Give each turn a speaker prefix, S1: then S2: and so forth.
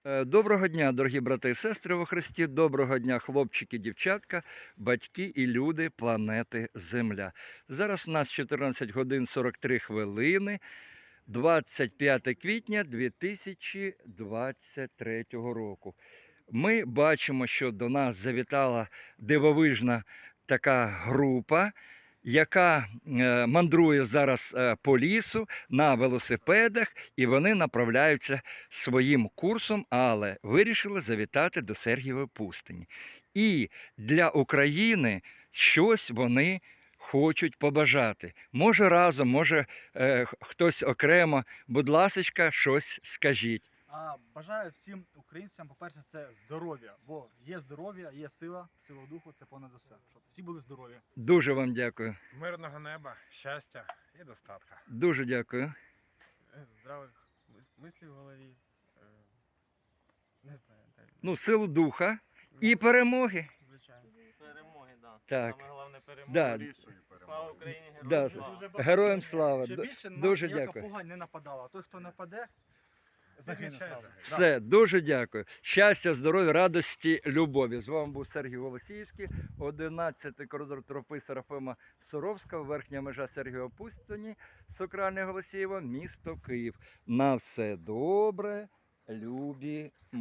S1: Доброго дня, дорогі брати і сестри во Христі. Доброго дня, хлопчики, дівчатка, батьки і люди планети Земля. Зараз у нас 14 годин 43 хвилини, 25 квітня 2023 року. Ми бачимо, що до нас завітала дивовижна така група, яка мандрує зараз по лісу на велосипедах, і вони направляються своїм курсом, але вирішили завітати до Сергієвої пустині. І для України щось вони хочуть побажати. Може разом, може хтось окремо. Будь ласочка, щось скажіть.
S2: Бажаю всім українцям, по-перше, це здоров'я, бо є здоров'я, є сила духу, це понад усе. Щоб всі були здорові.
S1: Дуже вам дякую.
S3: Мирного неба, щастя і достатка.
S1: Дуже дякую.
S4: Здравих мислів в голові. Не знаю, так.
S1: Ну, силу духа і перемоги.
S4: Звичайно. Перемоги, да.
S1: Так.
S4: Саме головне перемоги.
S1: Да.
S4: Слава Україні,
S1: Да.
S4: героям слава.
S1: Героям слава.
S2: Ще більше на
S1: Дуже
S2: нас ніяка
S1: дякую.
S2: погань не нападала. Той, хто нападе, загине
S3: Захищає,
S2: зразу.
S1: Все, дуже дякую. Щастя, здоров'я, радості, любові. З вами був Сергій Голосіївський, 11-й коридор тропи Серафима Суровського, верхня межа Сергієва Пустині, Сокральне Голосіїво, місто Київ. На все добре, любі.